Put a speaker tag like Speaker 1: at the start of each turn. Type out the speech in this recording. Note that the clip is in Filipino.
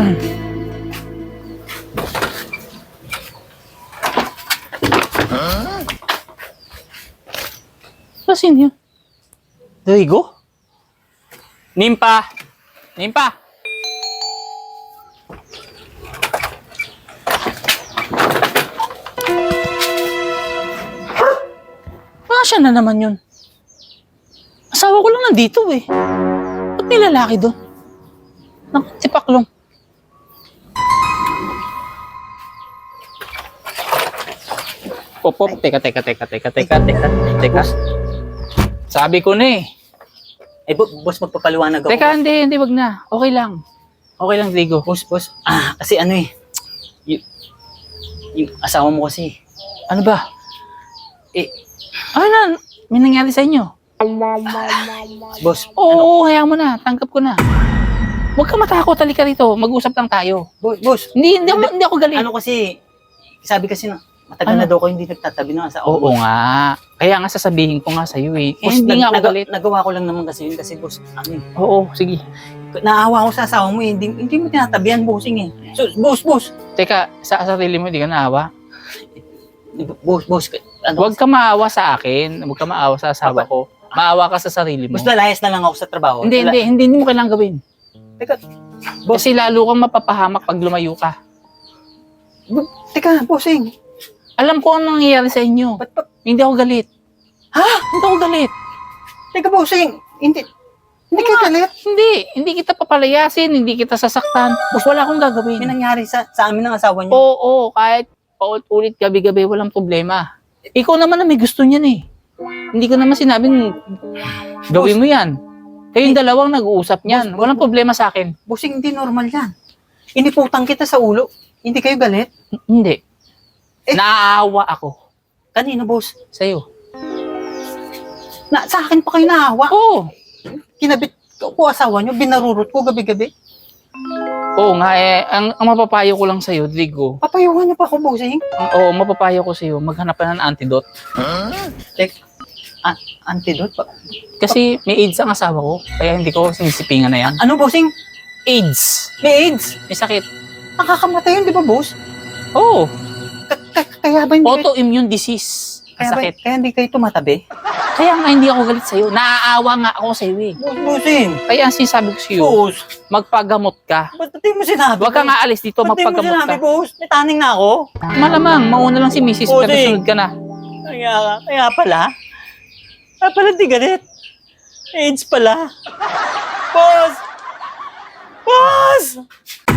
Speaker 1: Saan yun? Rigo? Nimpa! Nimpa! Siya na naman yun. Asawa ko lang nandito eh. Ba't may lalaki doon? Naku, tipaklong. Pop, teka. Sabi ko na eh.
Speaker 2: Eh, boss, magpapaliwanag ako.
Speaker 1: Teka, hindi, wag na. Okay lang. Okay lang, Rigo.
Speaker 2: Boss, kasi ano eh, yung asawa mo kasi,
Speaker 1: Ano ba?
Speaker 2: eh,
Speaker 1: Ano na? May nangyari sa inyo?
Speaker 2: boss,
Speaker 1: Oo, hayaan mo na. Tanggap ko na. Huwag ka matakot. Halika rito. Mag-usap lang tayo.
Speaker 2: boss,
Speaker 1: Hindi ako galit.
Speaker 2: ano kasi, sabi kasi na, matagal na daw ko hindi nagtatabi ng asawa
Speaker 1: Oo
Speaker 2: mo.
Speaker 1: nga. Kaya nga sasabihin ko nga sa'yo eh.
Speaker 2: Boss,
Speaker 1: Hindi nga ako galit.
Speaker 2: Nagawa ko lang naman kasi yun kasi boss, ano eh,
Speaker 1: Oo, sige.
Speaker 2: naawa ko sa asawa mo eh, hindi mo tinatabihan, bossing eh. So, boss,
Speaker 1: Teka, sa sarili mo, hindi ka naawa?
Speaker 2: boss, ano,
Speaker 1: Huwag ka maawa sa akin. Huwag ka maawa sa asawa ko. Maawa ka sa sarili mo.
Speaker 2: boss, lalayas na lang ako sa trabaho.
Speaker 1: Hindi mo kailangan gawin.
Speaker 2: Teka, boss,
Speaker 1: Kasi lalo kang mapapahamak pag lumayo ka.
Speaker 2: teka, bossing,
Speaker 1: Alam ko anong nangyayari sa inyo.
Speaker 2: ba't,
Speaker 1: Hindi ako galit.
Speaker 2: ha?
Speaker 1: Hindi ako galit.
Speaker 2: Teka, bossing, hindi ka galit?
Speaker 1: Hindi kita papalayasin, hindi kita sasaktan. Wala akong
Speaker 2: May
Speaker 1: gagawin.
Speaker 2: nangyari sa amin ng asawa niyo.
Speaker 1: Oo, kahit paulit-ulit gabi-gabi, walang problema. Ikaw naman na may gusto niyan eh. Hindi ko naman sinabing gawin mo yan. Kayong dalawang nag-uusap niyan. Walang problema sa akin.
Speaker 2: Bossing, hindi normal yan. Iniputang kita sa ulo. Hindi kayo galit?
Speaker 1: Hindi.
Speaker 2: Eh.
Speaker 1: Naaawa ako
Speaker 2: Kanino, boss?
Speaker 1: sa'yo.
Speaker 2: Sa akin pa kayo naawa.
Speaker 1: Oo.
Speaker 2: Kinabit ko asawa niyo, binarurot ko gabi-gabi.
Speaker 1: Oo nga eh. Ang mapapayo ko lang sa'yo, Drigo.
Speaker 2: Papayuhan niyo pa ako, bossing.
Speaker 1: Mapapayo ko sa'yo. Maghanap ka ng antidote.
Speaker 2: Antidote pa.
Speaker 1: Kasi may AIDS ang asawa ko. Kaya hindi ko sinisipingan na yan.
Speaker 2: Ano, bossing?
Speaker 1: AIDS.
Speaker 2: May AIDS.
Speaker 1: May sakit.
Speaker 2: Nakakamatay yun, di ba, boss?
Speaker 1: Oo.
Speaker 2: Kaya ba hindi kayo,
Speaker 1: Autoimmune disease. Ang sakit.
Speaker 2: kaya hindi kayo tumatabi?
Speaker 1: Kaya nga hindi ako galit sa'yo. Naaawa nga ako sa'yo eh.
Speaker 2: Bossing.
Speaker 1: Kaya ang sinasabi ko sa'yo,
Speaker 2: Boss.
Speaker 1: magpagamot ka.
Speaker 2: Ba't di mo sinabi?
Speaker 1: Huwag ka nga alis dito,
Speaker 2: Ba't di mo
Speaker 1: magpagamot
Speaker 2: sinabi,
Speaker 1: ka.
Speaker 2: boss? May taning na ako.
Speaker 1: Malamang, mauna lang si Mrs.
Speaker 2: Bossing.
Speaker 1: pero sunod ka na.
Speaker 2: Kaya pala. Kaya pala di galit. AIDS pala. Boss! Boss!